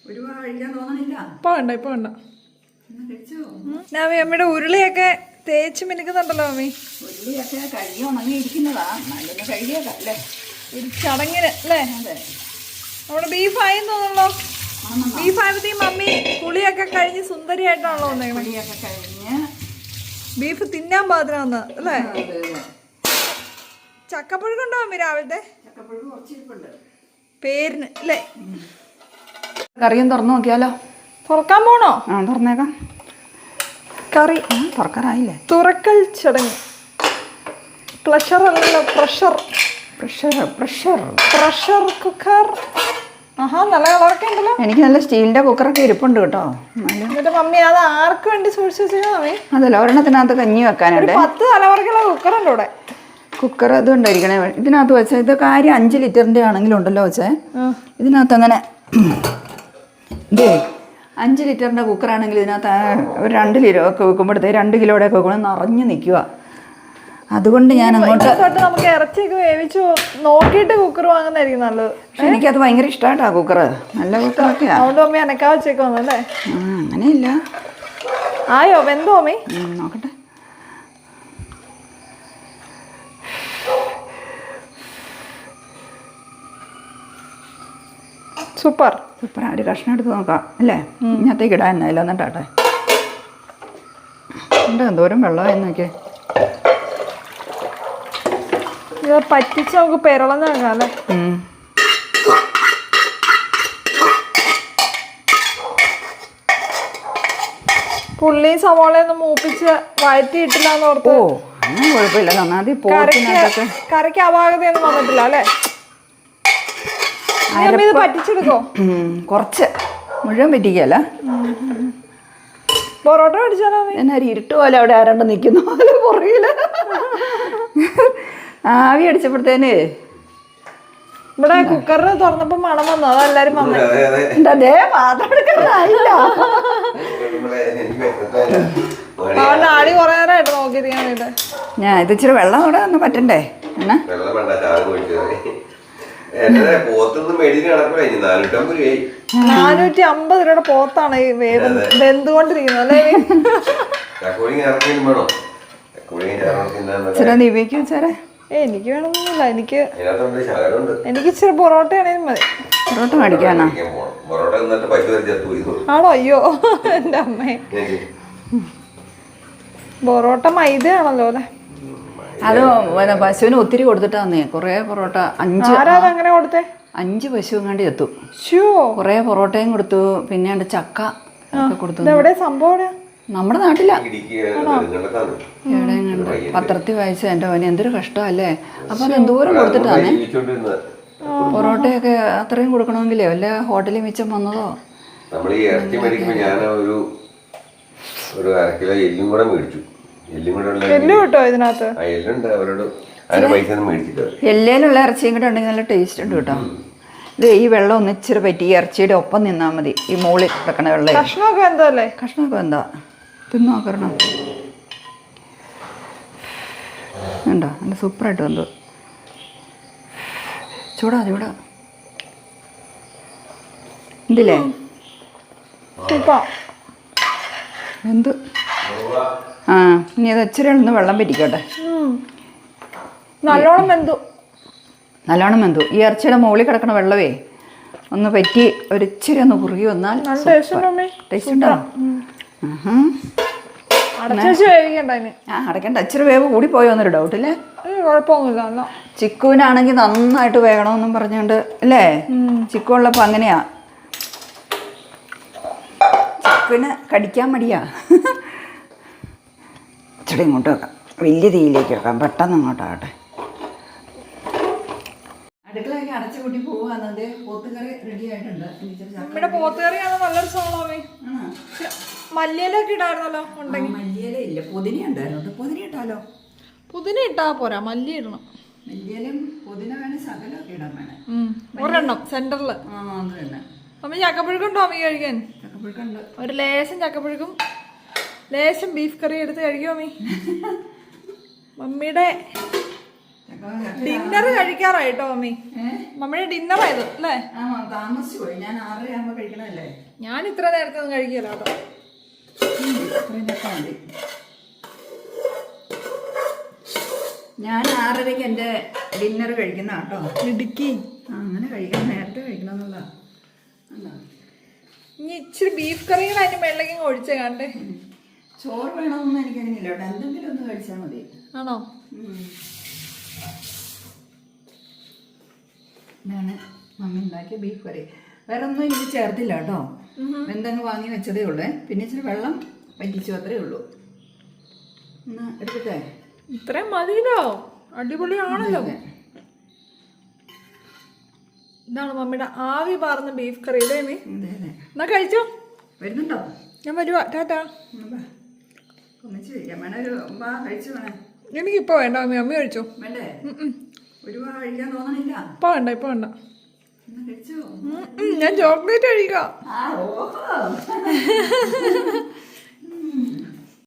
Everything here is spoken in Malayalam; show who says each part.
Speaker 1: ഇപ്പൊ വേണ്ട അമ്മയുടെ ഉരുളിയൊക്കെ തേച്ച് മിനുക്കുന്നുണ്ടല്ലോ അമ്മി.
Speaker 2: ഉരുളിയൊക്കെ കഴുകി ഉണങ്ങിയിരിക്കുന്നതാ, നല്ലൊന്ന് കഴുകിയതല്ലേ
Speaker 1: ഒരു ചടങ്ങിന് അല്ലേ? നമ്മുടെ ബീഫായി തോന്നുള്ളൂ. ബീഫായപ്പോ മമ്മി കുളിയൊക്കെ കഴിഞ്ഞ് സുന്ദരിയായിട്ടാണല്ലോ വന്നേക്കണേ.
Speaker 2: കുളിയൊക്കെ കഴിഞ്ഞ്
Speaker 1: ബീഫ് തിന്നാൻ പാത്രം വന്ന അല്ലേ? ചക്കപ്പുഴുക്കുണ്ടോ അമ്മി രാവിലത്തെ?
Speaker 2: ചക്കപ്പുഴുക്ക് കുറച്ചിരിപ്പുണ്ട്
Speaker 1: പേരിന് അല്ലേ?
Speaker 2: കറിയും തുറന്നു നോക്കിയാലോ?
Speaker 1: തുറക്കാൻ പോണോ?
Speaker 2: ആ തുറന്നേക്കാം.
Speaker 1: കറി
Speaker 2: തുറക്കാറായില്ലേ?
Speaker 1: തുറക്കൽ ചടങ്ങ്. പ്ലഷർ അല്ലല്ലോ, പ്രഷർ. Pressure cooker. ആഹാ, നല്ല കളറൊക്കെ ഉണ്ടല്ലോ.
Speaker 2: എനിക്ക് നല്ല സ്റ്റീലിന്റെ കുക്കറൊക്കെ ഇരിപ്പുണ്ട് കേട്ടോ.
Speaker 1: എന്നിട്ട് മമ്മി അത് ആർക്ക് വേണ്ടി സൂക്ഷിച്ചു വെച്ചാൽ?
Speaker 2: അതല്ല, ഒരെണ്ണത്തിനകത്ത് കഞ്ഞി വെക്കാനുണ്ട്.
Speaker 1: 10 തലമുറക്കുള്ള കുക്കറുണ്ട് ഇവിടെ.
Speaker 2: കുക്കർ അത് ഉണ്ടായിരിക്കണേ. ഇതിനകത്ത് വെച്ചാൽ ഇത് കാര്യം 5 ലിറ്ററിന്റെ ആണെങ്കിലും ഉണ്ടല്ലോ വെച്ചേ. ഇതിനകത്ത് അങ്ങനെ ഇതേ 5 ലിറ്ററിന്റെ കുക്കറാണെങ്കിൽ ഇതിനകത്ത് ഒരു 2 കിലോ ഒക്കെ വെക്കുമ്പോഴത്തേക്ക് 2 കിലോയുടെ ഒക്കെ വെക്കുമ്പോൾ നിറഞ്ഞു നിൽക്കുക. അതുകൊണ്ട് ഞാൻ അങ്ങോട്ട്
Speaker 1: നമുക്ക് ഇറച്ചിയൊക്കെ വേവിച്ചു നോക്കിയിട്ട് കുക്കർ വാങ്ങുന്നതായിരിക്കും നല്ലത്.
Speaker 2: പക്ഷെ എനിക്കത് ഭയങ്കര ഇഷ്ടമായിട്ടാ കുക്കർ. നല്ല കുക്കറൊക്കെയാ.
Speaker 1: അതുകൊണ്ട് അമ്മ എനക്കാ വെച്ചേക്കോന്നല്ലേ?
Speaker 2: അങ്ങനെയില്ല.
Speaker 1: ആയോ വെന്തോ അമ്മി?
Speaker 2: നോക്കട്ടെ.
Speaker 1: സൂപ്പർ.
Speaker 2: ഒരു കഷ്ണം എടുത്ത് നോക്കാം അല്ലേ? ഇന്നത്തേക്ക് ഇടാൻ എന്നായില്ല. എന്നിട്ടാട്ടെ ഉണ്ട് എന്തോരം വെള്ളമായി നോക്കിയേ.
Speaker 1: ഇത് പറ്റിച്ച് നമുക്ക് പെരളന്ന് വെക്കാം അല്ലേ? പുള്ളിയും സവാളയൊന്നും മൂപ്പിച്ച് വഴറ്റിയിട്ടില്ലാന്ന് ഓർത്ത്.
Speaker 2: ഓ അങ്ങനെ കുഴപ്പമില്ല. നന്നായി
Speaker 1: കറിക്ക് അപാകതയൊന്നും വന്നിട്ടില്ല അല്ലേ? ഇത് പറ്റിച്ചെടുക്കോ?
Speaker 2: കുറച്ച്, മുഴുവൻ പറ്റിക്കല്ല.
Speaker 1: പൊറോട്ട മേടിച്ചാലോ?
Speaker 2: എന്നാ ഇരുട്ട് പോലെ അവിടെ ആരാണ്ട് നിൽക്കുന്ന പോലെ പുറകില് ആവി അടിച്ചപ്പോഴത്തേന്
Speaker 1: ഇവിടെ കുക്കറിന് തുറന്നപ്പോ മണം വന്നു. അതെല്ലാരും വന്നു.
Speaker 2: അതേ പാത്രം എടുക്കാനായില്ല.
Speaker 1: അവന്റെ ആടി കുറെ നേരമായിട്ട് നോക്കിയിരിക്കാൻ. ഞാൻ
Speaker 2: ഇത് ഇച്ചിരി വെള്ളം കൂടെ ഒന്ന് പറ്റണ്ടേ? എന്നാ
Speaker 1: 450 രൂപയുടെ പോത്താണ് ഈ വെന്തുകൊണ്ടിരിക്കുന്നത് അല്ലേ?
Speaker 2: ദിവ്യക്ക് വെച്ചാരേ
Speaker 1: എനിക്ക് വേണമെന്നില്ല. എനിക്ക് ഇച്ചിരി പൊറോട്ട ആണെങ്കിലും മതി.
Speaker 2: പൊറോട്ട മേടിക്കാനാ?
Speaker 1: ആണോ? അയ്യോ എന്റെ അമ്മേ, പൊറോട്ട മൈദയാണല്ലോ അല്ലേ?
Speaker 2: അത് പശുവിന് ഒത്തിരി കൊടുത്തിട്ടാന്നേ. കൊറേ പൊറോട്ട 5 പശു കണ്ടി എത്തും. കൊറേ പൊറോട്ടയും കൊടുത്തു. പിന്നെ ചക്ക ഒക്കെ കൊടുത്തു. നമ്മുടെ നാട്ടിലാ. എവിടെയും കണ്ട് പത്രത്തിൽ വായിച്ച എൻ്റെ മോനെ എന്തൊരു കഷ്ടമല്ലേ. അപ്പൊ അത് എന്തോരം കൊടുത്തിട്ടാന്നേ. പൊറോട്ടയൊക്കെ അത്രയും കൊടുക്കണമെങ്കിലേ വല്ല ഹോട്ടലിൽ മിച്ചം വന്നതോ. എല്ലേലുള്ള ഇറച്ചിയും കൂടെ ഉണ്ടെങ്കിൽ നല്ല ടേസ്റ്റ് ഉണ്ട് കേട്ടോ. ഇത് ഈ വെള്ളം ഒന്ന് ഇച്ചിരി പറ്റി ഈ ഇറച്ചിയുടെ ഒപ്പം നിന്നാൽ മതി. ഈ മുകളിൽ കിടക്കണ വെള്ളം കഷ്ണമൊക്കെ എന്താ തിന്നു നോക്കണം. ഉണ്ടോ? നല്ല സൂപ്പറായിട്ട് വന്നു. ചൂടാ ഇതില്ലേ എന്ത്? ഇനി അത് ഇച്ചിരി ഒന്ന് വെള്ളം പറ്റിക്കോട്ടെ. നല്ലോണം വെന്തു. ഈ ഇറച്ചിയുടെ മുകളിൽ കിടക്കണ വെള്ളമേ ഒന്ന് പറ്റി ഒരിച്ചിരി ഒന്ന് കുറുകി വന്നാൽ ടേസ്റ്റ് ഉണ്ടാവും. അടയ്ക്കണ്ട. ഇച്ചിരി വേവ് കൂടി പോയോ എന്നൊരു ഡൗട്ടില്ലേ?
Speaker 1: കുഴപ്പമൊന്നുമില്ല.
Speaker 2: ചിക്കുവിനാണെങ്കിൽ നന്നായിട്ട് വേകണമെന്നും പറഞ്ഞുകൊണ്ട് അല്ലേ? ചിക്കു ഉള്ളപ്പോൾ അങ്ങനെയാ. ചിക്കുവിന് കടിക്കാൻ മടിയാ. ഇച്ചിരി ഇങ്ങോട്ട് വെക്കാം. വലിയ തീയിലേക്ക് വെക്കാം. പെട്ടെന്ന് അങ്ങോട്ടാകട്ടെ. അടുക്കളയൊക്കെ അടച്ചു കൂട്ടി പോവാന്നത്. പോത്തുകറി റെഡി ആയിട്ടുണ്ട്.
Speaker 1: പോത്തുകറിയാണ് നല്ലൊരു സോളാമേ. മല്ലിയിലൊക്കെ ഇടായിരുന്നല്ലോ.
Speaker 2: മല്ലിയില ഇല്ല, പുതിന ഉണ്ടായിരുന്നു. പുതിന ഇട്ടാലോ?
Speaker 1: പുതിന ഇട്ടാ പോരാ, മല്ലി ഇടണം.
Speaker 2: മല്ലിയിലും പുതിന വേണം, ശകലമൊക്കെ ഇടാൻ വേണം.
Speaker 1: ഒരെണ്ണം സെന്ററില്. അമ്മ ചക്കപ്പുഴുക്കുണ്ടോ അമ്മ കഴിക്കാൻ?
Speaker 2: ചക്കപ്പുഴുക്കുണ്ട്.
Speaker 1: ഒരു ലേശം ചക്കപ്പുഴുക്കും ലേശം ബീഫ് കറി എടുത്ത് കഴിക്കുമോ അമ്മി? മമ്മിയുടെ ഡിന്നർ കഴിക്കാറായിട്ടോ മമ്മി. മമ്മിയുടെ ഡിന്നർ ആയത് അല്ലേ?
Speaker 2: താമസിച്ചു പോയി. ഞാൻ 6:30 ആകുമ്പോ കഴിക്കണല്ലേ.
Speaker 1: ഞാൻ ഇത്ര നേരത്തെ ഒന്നും കഴിക്കില്ല കേട്ടോ.
Speaker 2: ഞാൻ 6:30 എന്റെ ഡിന്നർ കഴിക്കുന്ന കേട്ടോ.
Speaker 1: ഇടുക്കി
Speaker 2: അങ്ങനെ കഴിക്കണം, നേരത്തെ കഴിക്കണം എന്നുള്ള.
Speaker 1: ഇനി ഇച്ചിരി ബീഫ് കറികൾ അതിന്റെ വെള്ളക്കും ഒഴിച്ച കണ്ടേ.
Speaker 2: ചോറ് വേണമെന്നൊന്നും എനിക്കങ്ങനെയില്ല കേട്ടോ. എന്തെങ്കിലും ഒന്ന് കഴിച്ചാൽ മതി.
Speaker 1: ആണോ?
Speaker 2: ഇതാണ് മമ്മി ഉണ്ടാക്കിയ ബീഫ് കറി. വേറെ ഒന്നും എനിക്ക് ചേർത്തില്ല കേട്ടോ. എന്തെങ്കിലും വാങ്ങി വെച്ചതേ ഉള്ളേ. പിന്നെ ഇച്ചിരി വെള്ളം വറ്റിച്ചു, അത്രേ ഉള്ളൂ. എന്നാ എടുക്കട്ടെ?
Speaker 1: ഇത്രയും മതിയല്ലോ, അടിപൊളിയാണല്ലോ. ഇതാണ് മമ്മിയുടെ ആവി പാർന്ന ബീഫ് കറി അല്ലേ മീ? എന്നാ കഴിച്ചോ.
Speaker 2: വരുന്നുണ്ടോ?
Speaker 1: ഞാൻ വരുവാ. ടാറ്റാ. എനിക്കിപ്പോ വേണ്ട മമ്മി, മമ്മി കഴിച്ചോ.
Speaker 2: വേണ്ടേ? കഴിക്കാൻ തോന്നണില്ല.
Speaker 1: ഇപ്പൊ വേണ്ട, ഇപ്പൊ വേണ്ട. ഞാൻ ചോക്ലേറ്റ് കഴിക്കാം.